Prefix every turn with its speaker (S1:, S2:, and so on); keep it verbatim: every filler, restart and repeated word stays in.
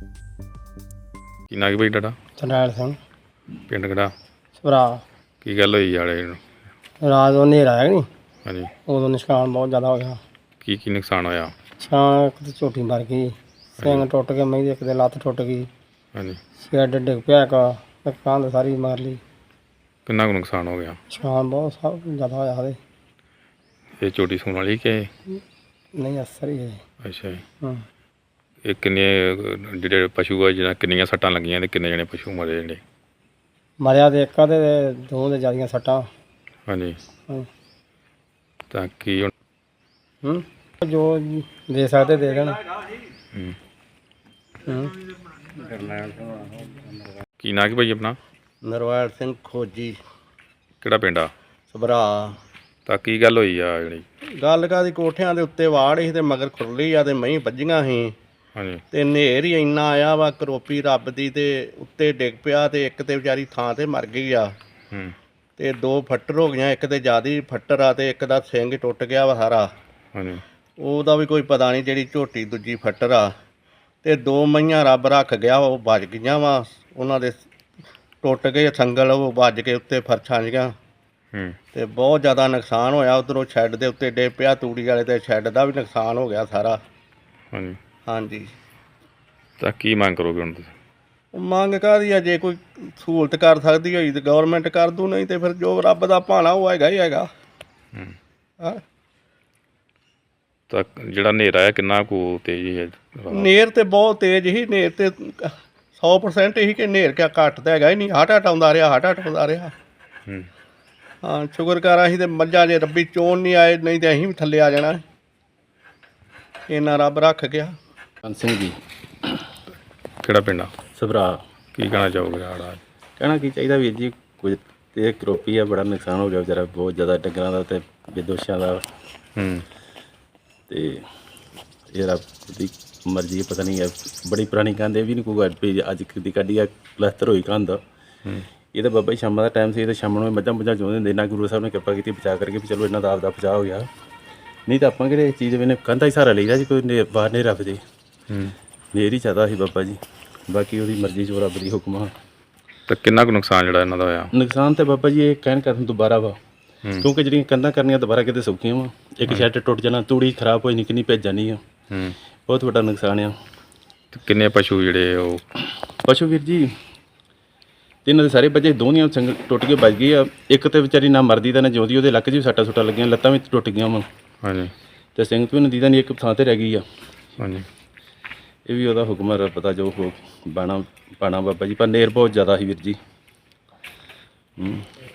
S1: ਕੀ ਨਾਂ ਕੀ ਭਾਈ ਤੁਹਾਡਾ?
S2: ਚੰਡਾਲ ਸਿੰਘ
S1: ਪਿੰਡ ਕਿਹੜਾ?
S2: ਭਰਾ
S1: ਕੀ ਗੱਲ ਹੋਈ ਵਾਲੇ ਨੂੰ?
S2: ਰਾਤ ਨੂੰ ਹਨੇਰਾ ਆਇਆ ਨਹੀਂ,
S1: ਹਾਂਜੀ,
S2: ਉਦੋਂ ਨੁਕਸਾਨ ਬਹੁਤ ਜ਼ਿਆਦਾ ਹੋ ਗਿਆ।
S1: ਕੀ ਕੀ ਨੁਕਸਾਨ ਹੋਇਆ?
S2: ਛਾਂ ਇੱਕ ਤਾਂ ਝੋਟੀ ਮਰ ਗਈ, ਸਿੰਘ ਟੁੱਟ ਗਏ, ਮਹੀਂ ਦੀ ਇੱਕ ਦੇ ਲੱਤ ਟੁੱਟ ਗਈ,
S1: ਹਾਂਜੀ,
S2: ਸ਼ੈੱਡ ਡਿੱਗ ਪਿਆ, ਇੱਕ ਇੱਕ ਕੰਧ ਸਾਰੀ ਮਾਰ ਲਈ।
S1: ਕਿੰਨਾ ਕੁ ਨੁਕਸਾਨ ਹੋ ਗਿਆ?
S2: ਨੁਕਸਾਨ ਬਹੁਤ ਸਭ ਜ਼ਿਆਦਾ ਹੋਇਆ ਉਹਦੇ।
S1: ਇਹ ਝੋਟੀ ਸੂਣ ਵਾਲੀ ਕਿ?
S2: ਨਹੀਂ ਅਸਰ ਹੀ ਹੈ।
S1: ਅੱਛਾ ਜੀ।
S2: ਹਾਂ
S1: ਇਹ ਕਿੰਨੇ ਅਹ, ਜਿਹੜੇ ਪਸ਼ੂ ਆ ਜਿਹਨਾਂ ਕਿੰਨੀਆਂ ਸੱਟਾਂ ਲੱਗੀਆਂ ਤੇ ਕਿੰਨੇ ਜਣੇ ਪਸ਼ੂ ਮਰੇ ਜਿਹੜੇ?
S2: ਮਰਿਆ ਤੇ ਇੱਕ ਆ ਤੇ ਦੋ ਦੇ ਜ਼ਿਆਦੀਆਂ ਸੱਟਾਂ।
S1: ਹਾਂਜੀ,
S2: ਹਾਂ।
S1: ਤਾਂ ਕੀ ਹੁਣ?
S2: ਹੂੰ ਜੋ ਦੇ ਸਕਦੇ ਦੇ ਦੇਣ।
S1: ਹੂੰ।
S2: ਹੂੰ
S1: ਕੀ ਨਾਂ ਕੀ ਭਾਈ ਆਪਣਾ?
S2: ਨਰਵੈਲ ਸਿੰਘ ਖੋਜੀ,
S1: ਕਿਹੜਾ ਪਿੰਡ ਆ?
S2: ਸਭਰਾ।
S1: ਤਾਂ ਕੀ ਗੱਲ ਹੋਈ ਆ ਜਿਹੜੀ?
S2: ਗੱਲ ਕਾਦੀ, ਕੋਠਿਆਂ ਦੇ ਉੱਤੇ ਵਾੜ ਸੀ ਤੇ ਮਗਰ ਖੁਰਲੀ ਆ ਤੇ ਮਹੀਂ ਵੱਜੀਆਂ ਸੀ
S1: ਹਾਂਜੀ,
S2: ਤੇ ਹਨੇਰ ਹੀ ਇੰਨਾ ਆਇਆ ਵਾ, ਕਰੋਪੀ ਰੱਬ ਦੀ, ਤੇ ਉੱਤੇ ਡਿੱਗ ਪਿਆ ਤੇ ਇੱਕ ਤੇ ਵਿਚਾਰੀ ਥਾਂ ਤੇ ਮਰ ਗਈ ਆ।
S1: ਹੂੰ,
S2: ਤੇ ਦੋ ਫੱਟਰ ਹੋ ਗਈਆਂ, ਇੱਕ ਤੇ ਜ਼ਿਆਦਾ ਫੱਟਰ ਆ ਤੇ ਇੱਕ ਦਾ ਸਿੰਘ ਟੁੱਟ ਗਿਆ ਵਾ ਸਾਰਾ।
S1: ਹਾਂਜੀ,
S2: ਉਹਦਾ ਵੀ ਕੋਈ ਪਤਾ ਨਹੀਂ, ਜਿਹੜੀ ਝੋਟੀ ਦੂਜੀ ਫੱਟਰ ਆ। ਤੇ ਦੋ ਮਈਆਂ ਰੱਬ ਰੱਖ ਗਿਆ, ਉਹ ਵੱਜ ਗਈਆਂ ਵਾ, ਉਹਨਾਂ ਦੇ ਟੁੱਟ ਗਏ ਸੰਗਲ, ਉਹ ਵੱਜ ਕੇ ਉੱਤੇ ਫਰਸ਼ਾਂ ਜੀਆਂ
S1: ਹੂੰ,
S2: ਤੇ ਬਹੁਤ ਜ਼ਿਆਦਾ ਨੁਕਸਾਨ ਹੋਇਆ। ਉੱਧਰੋਂ ਸ਼ੈੱਡ ਦੇ ਉੱਤੇ ਡੇ ਪਿਆ, ਤੂੜੀ ਵਾਲੇ ਤੇ ਸ਼ੈੱਡ ਦਾ ਵੀ ਨੁਕਸਾਨ ਹੋ ਗਿਆ ਸਾਰਾ।
S1: ਹਾਂਜੀ।
S2: ਹਾਂਜੀ,
S1: ਤਾਂ ਕੀ ਮੰਗ ਕਰੋਗੇ ਹੁਣ ਤੁਸੀਂ?
S2: ਮੰਗ ਕਾਹਦੀ ਆ, ਜੇ ਕੋਈ ਸਹੂਲਤ ਕਰ ਸਕਦੀ ਹੋਈ ਤੇ ਗਵਰਨਮੈਂਟ ਕਰ ਦੂ, ਨਹੀਂ ਤੇ ਫਿਰ ਜੋ ਰੱਬ ਦਾ ਭਾਣਾ ਉਹ ਹੈਗਾ ਹੀ ਹੈਗਾ।
S1: ਹੂੰ।
S2: ਹਾਂ,
S1: ਤਾਂ ਜਿਹੜਾ ਹਨੇਰਾ ਹੈ ਕਿੰਨਾ ਕੁ ਤੇਜ਼ ਹੈ?
S2: ਨੇਰ ਤੇ ਬਹੁਤ ਤੇਜ਼ ਹੀ, ਨੇਰ ਤੇ ਸੌ ਪਰਸੈਂਟ ਹੀ ਕਿ ਨੇਰ ਕਿਆ ਘੱਟ ਤਾਂ ਹੈਗਾ ਹੀ ਨਹੀਂ, ਹਟ ਹਟ ਆਉਂਦਾ ਰਿਹਾ, ਹਟ ਹਟ ਆਉਂਦਾ ਰਿਹਾ।
S1: ਹੂੰ।
S2: ਹਾਂ, ਸ਼ੁਕਰ ਕਰ ਅਸੀਂ ਤੇ ਮੱਝਾਂ ਜੇ ਰੱਬੀ ਚੋਣ ਨਹੀਂ ਆਏ, ਨਹੀਂ ਤੇ ਅਸੀਂ ਵੀ ਥੱਲੇ ਆ ਜਾਣਾ। ਇੰਨਾ ਰੱਬ ਰੱਖ ਗਿਆ।
S3: ਸਿੰਘ ਜੀ,
S1: ਕਿਹੜਾ ਪਿੰਡ ਆ?
S3: ਸਭਰਾ।
S1: ਕੀ ਕਹਿਣਾ ਚਾਹੋਗੇ ਆੜਾ?
S3: ਕਹਿਣਾ ਕੀ ਚਾਹੀਦਾ ਵੀਰ ਜੀ, ਕੁਝ ਤੇ ਕਰੋਪੀ ਆ, ਬੜਾ ਨੁਕਸਾਨ ਹੋ ਗਿਆ ਵਿਚਾਰਾ, ਬਹੁਤ ਜ਼ਿਆਦਾ ਡੰਗਰਾਂ ਦਾ ਤੇ ਬੇਦੋਸ਼ਾਂ ਦਾ।
S1: ਹੂੰ।
S3: ਤੇ ਇਹ ਰੱਬ ਦੀ ਮਰਜ਼ੀ, ਪਤਾ ਨਹੀਂ ਹੈ, ਬੜੀ ਪੁਰਾਣੀ ਕੰਧ, ਇਹ ਵੀ ਨਹੀਂ ਕੋਈ ਗੱਲ ਵੀ ਅੱਜ ਦੀ ਕੱਢੀ ਆ, ਪਲਸਤਰ ਹੋਈ ਕੰਧ।
S1: ਹੂੰ।
S3: ਇਹ ਤਾਂ ਬਾਬਾ ਜੀ ਸ਼ਾਮਾਂ ਦਾ ਟਾਈਮ ਸੀ, ਇਹ ਤਾਂ ਸ਼ਾਮ ਨੂੰ ਮੱਝਾਂ ਮੁੱਝਾਂ ਚੋਂਦੇ ਹੁੰਦੇ, ਨਾ ਗੁਰੂ ਸਾਹਿਬ ਨੇ ਕਿਰਪਾ ਕੀਤੀ ਬਚਾ ਕਰਕੇ ਵੀ ਚਲੋ ਇਹਨਾਂ ਦਾ ਆਪਦਾ ਬਚਾਅ ਹੋ ਗਿਆ। ਨਹੀਂ ਤਾਂ ਆਪਾਂ ਕਿਹੜੇ ਚੀਜ਼ ਵੇਨੇ ਕੰਧਾਂ ਹੀ ਸਹਾਰਾ ਲਈਦਾ ਜੀ, ਕੋਈ ਨੇ ਬਾਹਰ ਨਹੀਂ ਰੱਖਦੇ।
S1: ਹੂੰ।
S3: ਨੇਰ ਹੀ ਚਾਹਦਾ ਸੀ ਬਾਬਾ ਜੀ, ਬਾਕੀ ਉਹਦੀ ਮਰਜ਼ੀ ਜੋ ਰੱਬ ਦੀ ਹੁਕਮ ਆ।
S1: ਤਾਂ ਕਿੰਨਾ ਕੁ ਨੁਕਸਾਨ ਜਿਹੜਾ ਇਹਨਾਂ ਦਾ ਹੋਇਆ?
S3: ਨੁਕਸਾਨ ਤੇ ਬਾਬਾ ਜੀ ਇਹ ਕਹਿਣ ਕਰਨ ਦੁਬਾਰਾ ਵਾ,
S1: ਹੂੰ।
S3: ਕਿਉਂਕਿ ਜਿਹੜੀਆਂ ਕੰਧਾਂ ਕਰਨੀਆਂ ਦੁਬਾਰਾ ਕਿਤੇ ਸੌਖੀਆਂ ਵਾ। ਇੱਕ ਸ਼ੈੱਡ ਟੁੱਟ ਜਾਣਾ, ਤੂੜੀ ਖਰਾਬ ਹੋਈ ਨਿੱਕੀ ਨਹੀਂ ਭੇਜ ਜਾਣੀ ਆ।
S1: ਹੂੰ।
S3: ਬਹੁਤ ਵੱਡਾ ਨੁਕਸਾਨ ਆ।
S1: ਤੇ ਕਿੰਨੇ ਪਸ਼ੂ ਜਿਹੜੇ ਉਹ?
S3: ਪਸ਼ੂ ਵੀਰ ਜੀ ਤਿੰਨਾਂ ਦੇ ਸਾਰੇ ਬੱਚੇ, ਦੋਨੀਆਂ ਸੰਗ ਟੁੱਟ ਕੇ ਵੱਜ ਗਈ ਆ। ਇੱਕ ਤੇ ਵਿਚਾਰੀ ਨਾ ਮਰਦੀ ਤਾਂ ਨਾ ਜਿਉਂਦੀ, ਉਹਦੇ ਲੱਕ 'ਚ ਵੀ ਸੱਟਾਂ ਸੁੱਟਾਂ ਲੱਗੀਆਂ, ਲੱਤਾਂ ਵੀ ਟੁੱਟ ਗਈਆਂ ਵਾ
S1: ਹਾਂਜੀ,
S3: ਤੇ ਸਿੰਘ ਤੋਂ ਨਦੀ ਦਾ ਨਹੀਂ, ਇੱਕ ਥਾਂ ਤੇ ਰਹਿ ਗਈ ਆ।
S1: ਹਾਂਜੀ।
S3: ਇਹ ਵੀ ਉਹਦਾ ਹੁਕਮ ਹੈ, ਪਤਾ ਜੋ ਹੋ ਬਾਣਾ ਪਾਣਾ ਬਾਬਾ ਜੀ, ਪਰ ਨੇਰ ਬਹੁਤ ਜ਼ਿਆਦਾ ਸੀ ਵੀਰ ਜੀ। ਹੂੰ।